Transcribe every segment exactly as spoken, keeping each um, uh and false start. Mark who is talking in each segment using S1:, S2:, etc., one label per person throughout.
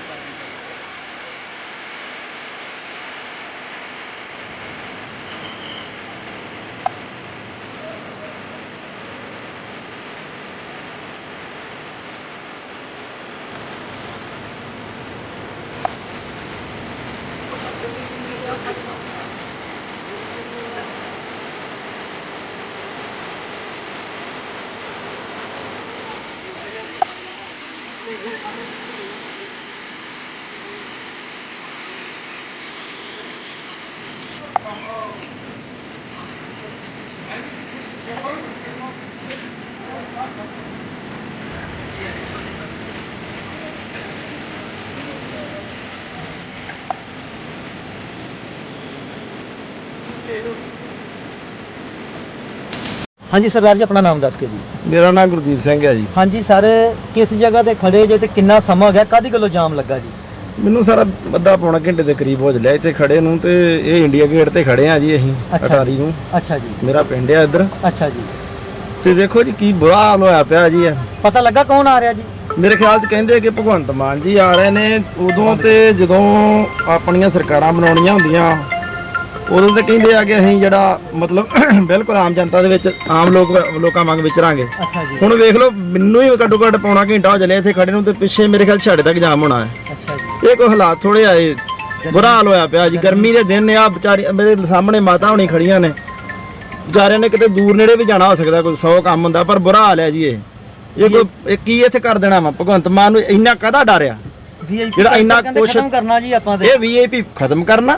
S1: हाँ जी सरदार जी, अपना नाम दस के जी।
S2: मेरा नाम गुरदीप सिंह है जी।
S1: हाँ जी सर, किस जगह ते खड़े जे ते कितना समा हो गया, कादी गल्लों जाम लगा जी?
S2: ਮੈਨੂੰ ਸਾਰਾ ਅੱਧਾ ਪੌਣਾ ਘੰਟੇ ਦੇ ਕਰੀਬ ਹੋ ਚੱਲਿਆ ਇੱਥੇ ਖੜੇ ਨੂੰ, ਤੇ ਇਹ ਇੰਡੀਆ ਗੇਟ ਤੇ ਖੜੇ ਆ ਜੀ ਅਸੀਂ ਅਟਾਰੀ ਨੂੰ।
S1: ਅੱਛਾ ਜੀ।
S2: ਮੇਰਾ ਪਿੰਡ ਆ ਇੱਧਰ।
S1: ਅੱਛਾ ਜੀ।
S2: ਤੇ ਦੇਖੋ ਜੀ ਕੀ ਬੁਰਾ ਹਾਲ ਹੋਇਆ ਪਿਆ ਜੀ। ਇਹ
S1: ਪਤਾ ਲੱਗਾ ਕੌਣ ਆ ਰਿਹਾ ਜੀ? ਮੇਰੇ
S2: ਖਿਆਲ 'ਚ ਕਹਿੰਦੇ ਕਿ ਭਗਵੰਤ ਮਾਨ ਜੀ ਆ ਰਹੇ ਨੇ। ਉਦੋਂ ਤੇ ਜਦੋਂ ਆਪਣੀਆਂ ਸਰਕਾਰਾਂ ਬਣਾਉਣੀਆਂ ਹੁੰਦੀਆਂ ਉਦੋਂ ਤੇ ਕਹਿੰਦੇ ਆ ਕਿ ਅਸੀਂ ਜਿਹੜਾ ਮਤਲਬ ਬਿਲਕੁਲ ਆਮ ਜਨਤਾ ਦੇ ਵਿੱਚ ਆਮ ਲੋਕ ਲੋਕਾਂ ਵਾਂਗ ਵਿਚਰਾਂਗੇ।
S1: ਅੱਛਾ ਜੀ।
S2: ਹੁਣ ਵੇਖ ਲਓ, ਮੈਨੂੰ ਹੀ ਘੱਟੋ ਘੱਟ ਪੌਣਾ ਘੰਟਾ ਹੋ ਚੱਲਿਆ ਇੱਥੇ ਖੜੇ ਨੂੰ, ਤੇ ਪਿੱਛੇ ਮੇਰੇ ਖਿਆਲ ਛਾੜੇ ਤੱਕ ਜਾਮ ਹੋਣਾ ਹੈ।
S1: ਅੱਛਾ ਜੀ।
S2: ਇਹ ਕੋਈ ਹਾਲਾਤ ਥੋੜੇ ਆਏ, ਬੁਰਾ ਹਾਲ ਹੋਇਆ ਪਿਆ ਜੀ। ਗਰਮੀ ਦੇ ਦਿਨ ਆ, ਵਿਚਾਰੀ ਮੇਰੇ ਸਾਹਮਣੇ ਮਾਤਾ ਹੋਣੀ ਖੜੀਆਂ ਨੇ, ਵਿਚਾਰਿਆਂ ਨੇ ਕਿਤੇ ਦੂਰ ਨੇੜੇ ਵੀ ਜਾਣਾ ਹੋ ਸਕਦਾ, ਕੋਈ ਸੌ ਕੰਮ ਹੁੰਦਾ, ਪਰ ਬੁਰਾ ਹਾਲ ਹੈ ਜੀ। ਇਹ ਇਹ ਕੋਈ ਕੀ ਇੱਥੇ ਕਰ ਦੇਣਾ ਵਾ? ਭਗਵੰਤ ਮਾਨ ਨੂੰ ਇੰਨਾ ਕਾਹਦਾ ਡਰ ਆ ਜਿਹੜਾ ਇੰਨਾ ਕੁਛ
S1: ਕਰਨਾ ਜੀ ਆਪਾਂ ਤੇ?
S2: ਇਹ ਵੀ ਆਈ ਪੀ ਖਤਮ ਕਰਨਾ।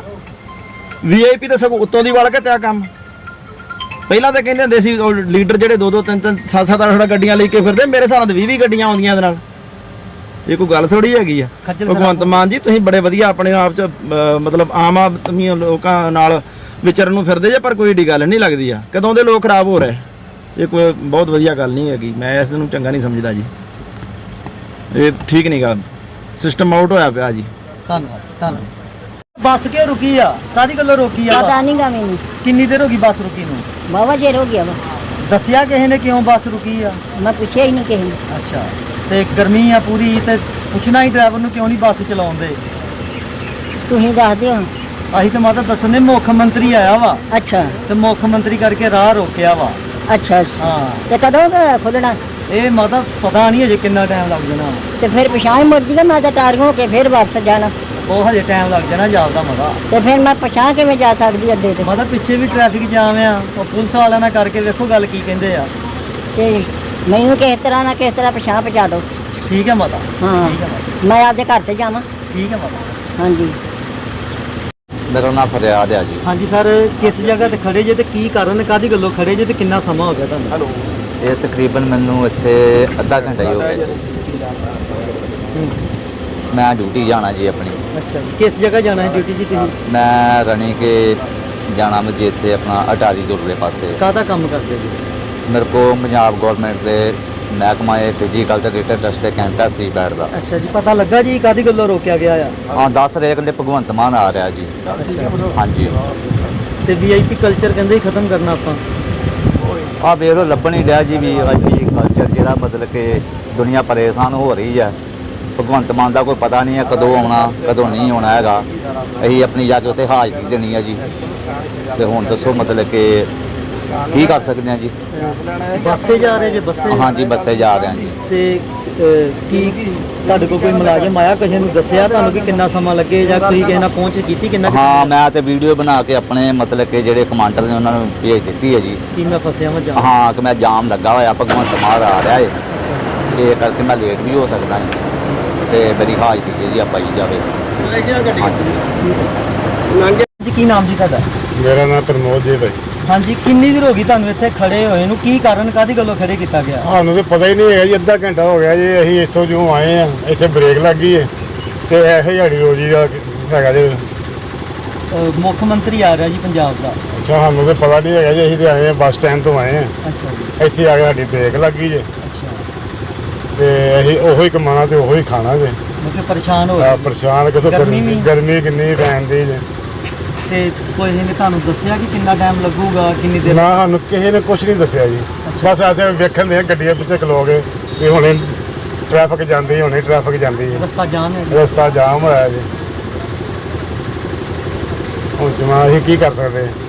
S2: ਵੀ ਆਈ ਪੀ ਤਾਂ ਸਗੋਂ ਉੱਤੋਂ ਦੀ ਵੜ ਕੇ ਤਿਆ ਕੰਮ। ਪਹਿਲਾਂ ਤਾਂ ਕਹਿੰਦੇ ਹੁੰਦੇ ਸੀ ਲੀਡਰ ਜਿਹੜੇ ਦੋ ਦੋ ਤਿੰਨ ਤਿੰਨ ਸੱਤ ਸੱਤ ਅੱਠ ਗੱਡੀਆਂ ਲੈ ਕੇ ਫਿਰਦੇ, ਮੇਰੇ ਹਿਸਾਬ ਨਾਲ ਵੀਹ ਵੀਹ ਗੱਡੀਆਂ ਆਉਂਦੀਆਂ ਇਹਦੇ ਨਾਲ। ਇਹ ਕੋਈ ਗੱਲ ਥੋੜੀ ਹੈਗੀ ਆ। ਭਗਵੰਤ ਮਾਨ ਜੀ, ਤੁਸੀਂ ਬੜੇ ਵਧੀਆ ਆਪਣੇ ਆਪ 'ਚ ਮਤਲਬ ਆਮ ਆਦਮੀ ਲੋਕਾਂ ਨਾਲ ਵਿਚਰਨ ਨੂੰ ਫਿਰਦੇ ਜੇ, ਪਰ ਕੋਈ ਏਡੀ ਗੱਲ ਨਹੀਂ ਲੱਗਦੀ ਆ। ਕਦੋਂ ਦੇ ਲੋਕ ਖਰਾਬ ਹੋ ਰਹੇ, ਇਹ ਕੋਈ ਬਹੁਤ ਵਧੀਆ ਗੱਲ ਨਹੀਂ ਹੈਗੀ। ਮੈਂ ਇਸ ਨੂੰ ਚੰਗਾ ਨਹੀਂ ਸਮਝਦਾ ਜੀ। ਇਹ ਠੀਕ ਨਹੀਂ ਗਾ, ਸਿਸਟਮ ਆਊਟ ਹੋਇਆ ਪਿਆ ਜੀ।
S1: ਧੰਨਵਾਦ ਧੰਨਵਾਦ। ਬੱਸ ਕਿਉਂ ਰੁਕੀ ਆ? ਕਾਦੀ ਗੱਲੋਂ ਰੋਕੀ ਆ?
S3: ਪਤਾ ਨਹੀਂ ਗਾ ਮੈਨੂੰ।
S1: ਕਿੰਨੀ ਦੇਰ ਹੋ ਗਈ ਬੱਸ ਰੁਕੀ ਨੂੰ?
S3: ਬਾਵਾ ਚਿਰ ਹੋ ਗਿਆ ਵਾ।
S1: ਦੱਸਿਆ ਕਿਸੇ ਨੇ ਕਿਉਂ ਬੱਸ ਰੁਕੀ ਆ?
S3: ਮੈਂ ਪੁੱਛਿਆ ਹੀ ਨਹੀਂ ਕਿਸੇ ਨੂੰ।
S1: ਅੱਛਾ, ਤੇ ਗਰਮੀ ਆ ਪੂਰੀ, ਤੇ ਪੁੱਛਣਾ ਹੀ ਡਰਾਈਵਰ ਨੂੰ ਕਿਉਂ ਨਹੀਂ ਬੱਸ ਚਲਾਉਂਦੇ?
S3: ਤੁਸੀਂ ਦੱਸ ਦਿਓ।
S1: ਅਸੀਂ ਤਾਂ ਮਾਤਾ ਦੱਸਣ ਦੇ, ਮੁੱਖ ਮੰਤਰੀ ਆਇਆ ਵਾ।
S3: ਅੱਛਾ।
S1: ਤੇ ਮੁੱਖ ਮੰਤਰੀ ਕਰਕੇ ਰਾਹ ਰੋਕਿਆ ਵਾ।
S3: ਅੱਛਾ ਅੱਛਾ।
S1: ਹਾਂ।
S3: ਤੇ ਕਦੋਂ ਖੁੱਲਣਾ?
S1: ਇਹ ਮਾਤਾ ਪਤਾ ਨਹੀਂ ਅਜੇ ਕਿੰਨਾ ਟਾਈਮ ਲੱਗ ਜਾਣਾ।
S3: ਤੇ ਫਿਰ ਪਛਾਣ ਮੁੜ ਜੀਗਾ, ਮੈਂ ਤਾਂ ਟਾਰਗ ਹੋ ਕੇ ਫਿਰ ਵਾਪਸ ਜਾਣਾ।
S1: ਉਹ ਹਜੇ ਟਾਈਮ ਲੱਗ ਜਾਣਾ ਜਾਂਦਾ ਮਾਤਾ।
S3: ਤੇ ਫਿਰ ਮੈਂ ਪਛਾਣ ਕਿਵੇਂ ਜਾ ਸਕਦੀ ਅੱਡੇ ਤੇ?
S1: ਮਾਤਾ ਪਿੱਛੇ ਵੀ ਟ੍ਰੈਫਿਕ ਜਾਮ ਆ, ਉਹ ਪੁਲਿਸ ਵਾਲਿਆਂ ਨਾਲ ਕਰਕੇ ਵੇਖੋ ਗੱਲ ਕੀ ਕਹਿੰਦੇ ਆ।
S3: ਤੇ ਮੈਨੂੰ ਕਿਸ ਤਰ੍ਹਾਂ ਨਾ ਕਿਸ ਤਰ੍ਹਾਂ ਪਛਾਣ ਪਹੁੰਚਾ ਦਿਓ।
S1: ਠੀਕ ਹੈ ਮਾਤਾ।
S3: ਹਾਂ,
S1: ਠੀਕ ਹੈ ਮਾਤਾ।
S3: ਮੈਂ ਆਪਦੇ ਘਰ ਤੇ ਜਾਵਾਂ।
S1: ਠੀਕ ਹੈ ਮਾਤਾ।
S3: ਹਾਂਜੀ।
S4: ਮੇਰਾ ਨਾਮ ਫਰਿਆਦ ਆ ਜੀ।
S1: ਹਾਂਜੀ ਸਰ, ਕਿਸ ਜਗ੍ਹਾ ਤੇ ਖੜੇ ਜੇ ਤੇ ਕੀ ਕਾਰਨ, ਕਾਦੀ ਗੱਲੋਂ ਖੜੇ ਜੇ ਤੇ ਕਿੰਨਾ ਸਮਾਂ ਹੋ ਗਿਆ ਤੁਹਾਨੂੰ?
S4: ਇਹ ਤਕਰੀਬਨ ਮੈਨੂੰ ਇੱਥੇ ਅੱਧਾ ਘੰਟਾ ਹੀ ਹੋ ਗਿਆ ਜੀ। ਮੈਂ ਡਿਊਟੀ ਜਾਣਾ ਜੀ ਆਪਣੀ।
S1: ਅੱਛਾ ਜੀ। ਕਿਸ ਜਗ੍ਹਾ ਜਾਣਾ ਹੈ ਡਿਊਟੀ ਜੀ ਤੁਸੀਂ?
S4: ਮੈਂ ਰਣੀ ਕੇ ਜਾਣਾ ਮੈਂ ਜੀ, ਇੱਥੇ ਆਪਣਾ ਅਟਾਰੀ ਦੁਰਲੇ ਪਾਸੇ।
S1: ਕਾਹਦਾ ਕੰਮ ਕਰਦੇ ਜੀ?
S4: ਮੇਰੇ ਕੋਲ ਪੰਜਾਬ ਗਵਰਨਮੈਂਟ ਦੇ ਮਹਿਕਮਾ ਇਹ ਫਿਜ਼ੀਕਲ ਤੇ ਰਿਟਨ ਟੈਸਟ ਕੈਂਟਾ ਸੀ ਬੈਠਦਾ।
S1: ਅੱਛਾ ਜੀ। ਪਤਾ ਲੱਗਾ ਜੀ ਕਾਦੀ ਗੱਲੋਂ ਰੋਕਿਆ ਗਿਆ ਆ?
S4: ਹਾਂ, ਦੱਸ ਰਹੇ ਕਹਿੰਦੇ ਭਗਵੰਤ ਮਾਨ ਆ ਰਿਹਾ ਜੀ।
S1: ਅੱਛਾ।
S4: ਹਾਂਜੀ।
S1: ਤੇ ਵੀ ਆਈ ਪੀ ਕਲਚਰ ਕਹਿੰਦੇ ਹੀ ਖਤਮ ਕਰਨਾ ਆਪਾਂ।
S4: ਆਹ ਵੇਖ ਲਓ, ਲੱਭਣ ਹੀ ਡਿਆ ਜੀ ਵੀ ਆਈ ਪੀ ਕਲਚਰ ਜਿਹੜਾ ਮਤਲਬ ਕਿ ਦੁਨੀਆ ਪਰੇਸ਼ਾਨ ਹੋ ਰਹੀ ਹੈ। ਭਗਵੰਤ ਮਾਨ ਦਾ ਕੋਈ ਪਤਾ ਨਹੀਂ ਹੈ ਕਦੋਂ ਆਉਣਾ ਕਦੋਂ ਨਹੀਂ ਆਉਣਾ ਹੈਗਾ। ਅਸੀਂ ਆਪਣੀ ਜਾ ਕੇ ਉੱਥੇ ਹਾਜ਼ਰੀ ਦੇਣੀ ਹੈ ਜੀ। ਤੇ ਹੁਣ ਦੱਸੋ ਮਤਲਬ ਕਿ ਕੀ ਕਰ ਸਕਦੇ ਹਾਂ ਜੀ?
S1: ਬੱਸੇ ਜਾ ਰਹੇ ਜੇ? ਬੱਸੇ?
S4: ਹਾਂਜੀ, ਬੱਸੇ ਜਾ ਰਹੇ ਹਾਂ ਜੀ।
S1: ਤੇ ਕੀ ਤੁਹਾਡੇ ਕੋਲ ਕੋਈ ਮੁਲਾਜ਼ਮ ਆਇਆ, ਕਿਸੇ ਨੂੰ ਦੱਸਿਆ ਤੁਹਾਨੂੰ ਕਿ ਕਿੰਨਾ ਸਮਾਂ ਲੱਗੇ, ਜਾਂ ਤੁਸੀਂ ਕਿਸੇ ਨਾਲ ਪਹੁੰਚ ਕੀਤੀ ਕਿੰਨਾ?
S4: ਹਾਂ, ਮੈਂ ਤੇ ਵੀਡੀਓ ਬਣਾ ਕੇ ਆਪਣੇ ਮਤਲਬ ਕਿ ਜਿਹੜੇ ਕਮਾਂਡਰ ਨੇ ਉਹਨਾਂ ਨੂੰ ਭੇਜ ਦਿੱਤੀ ਹੈ ਜੀ।
S1: ਕੀ ਮੈਂ ਫਸਿਆ ਮੈਂ ਜਾਮ?
S4: ਹਾਂ, ਕਿ ਮੈਂ ਜਾਮ ਲੱਗਾ ਹੋਇਆ, ਭਗਵੰਤ ਮਾਨ ਆ ਰਿਹਾ ਹੈ, ਇਹ ਕਰਕੇ ਮੈਂ ਲੇਟ ਵੀ ਹੋ ਸਕਦਾ ਜੀ। ਤੇ ਮੇਰੀ ਹਾਜ਼ਰੀ ਜਿਹੜੀ ਆ ਪਾਈ ਜਾਵੇ।
S1: ਜੀ ਕੀ ਨਾਮ ਜੀ ਤੁਹਾਡਾ?
S2: ਮੇਰਾ ਨਾਮ ਪ੍ਰਮੋਦ ਜੀ ਭਾਈ।
S1: ਹਾਂਜੀ। ਕਿੰਨੀ ਦੇਰ ਹੋ ਗਈ ਤੁਹਾਨੂੰ ਇੱਥੇ ਖੜੇ ਹੋਏ ਨੂੰ? ਕੀ ਕਾਰਨ, ਕਾਹਦੀ ਗੱਲੋਂ ਖੜੇ ਕੀਤਾ ਗਿਆ?
S2: ਸਾਨੂੰ ਤਾਂ ਪਤਾ ਹੀ ਨਹੀਂ ਹੈਗਾ ਜੀ। ਅੱਧਾ ਘੰਟਾ ਹੋ ਗਿਆ ਜੀ। ਅਸੀਂ ਇੱਥੋਂ ਜੋ ਆਏ ਆ, ਇੱਥੇ ਬ੍ਰੇਕ ਲੱਗ ਗਈ ਹੈ, ਤੇ ਇਹੋ ਹੀ ਰੋਜੀ ਦਾ ਹੈਗਾ ਜੀ।
S1: ਮੁੱਖ ਮੰਤਰੀ ਆ ਰਿਹਾ ਜੀ ਪੰਜਾਬ ਦਾ।
S2: ਅੱਛਾ, ਸਾਨੂੰ ਤਾਂ ਪਤਾ ਨਹੀਂ ਹੈਗਾ ਜੀ। ਅਸੀਂ ਤਾਂ ਆਏ ਆ, ਬੱਸ ਸਟੈਂਡ ਤੋਂ ਆਏ ਆ।
S1: ਅੱਛਾ ਜੀ।
S2: ਇੱਥੇ ਆ ਕੇ ਸਾਡੀ ਬ੍ਰੇਕ ਲੱਗ ਗਈ ਜੀ।
S1: ਅੱਛਾ।
S2: ਤੇ ਅਸੀਂ ਉਹੋ ਹੀ ਕਮਾਣਾ ਤੇ ਉਹੋ ਹੀ ਖਾਣਾ ਜੀ।
S1: ਮਤਲਬ ਪਰੇਸ਼ਾਨ ਹੋ
S2: ਰਹੇ? ਪਰੇਸ਼ਾਨ ਕਿਥੋਂ, ਗਰਮੀ ਗਰਮੀ ਕਿੰਨੀ ਪੈਂਦੀ ਜੀ।
S1: ਤੇ ਕੋਈ ਨੇ ਤੁਹਾਨੂੰ ਦੱਸਿਆ ਕਿ ਕਿੰਨਾ ਟਾਈਮ ਲੱਗੂਗਾ, ਕਿੰਨੀ ਦੇਰ?
S2: ਨਾ, ਸਾਨੂੰ ਕਿਸੇ ਨੇ ਕੁਝ ਨਹੀਂ ਦੱਸਿਆ ਜੀ। ਬਸ ਆਸੇ ਵੇਖਣ ਦੇ ਗੱਡੀਆਂ ਪਿੱਛੇ ਖਲੋ ਗਏ ਵੀ ਹੁਣੇ
S5: ਟ੍ਰੈਫਿਕ ਜਾਂਦੀ ਹੋਣੀ ਟ੍ਰੈਫਿਕ ਜਾਂਦੀ ਹੈ
S1: ਰਸਤਾ ਜਾਮ ਹੈ ਜੀ।
S5: ਰਸਤਾ ਜਾਮ ਹੋਇਆ ਜੀ ਹੁਣ ਜਮਾ ਅਸੀਂ ਕੀ ਕਰ ਸਕਦੇ ਹਾਂ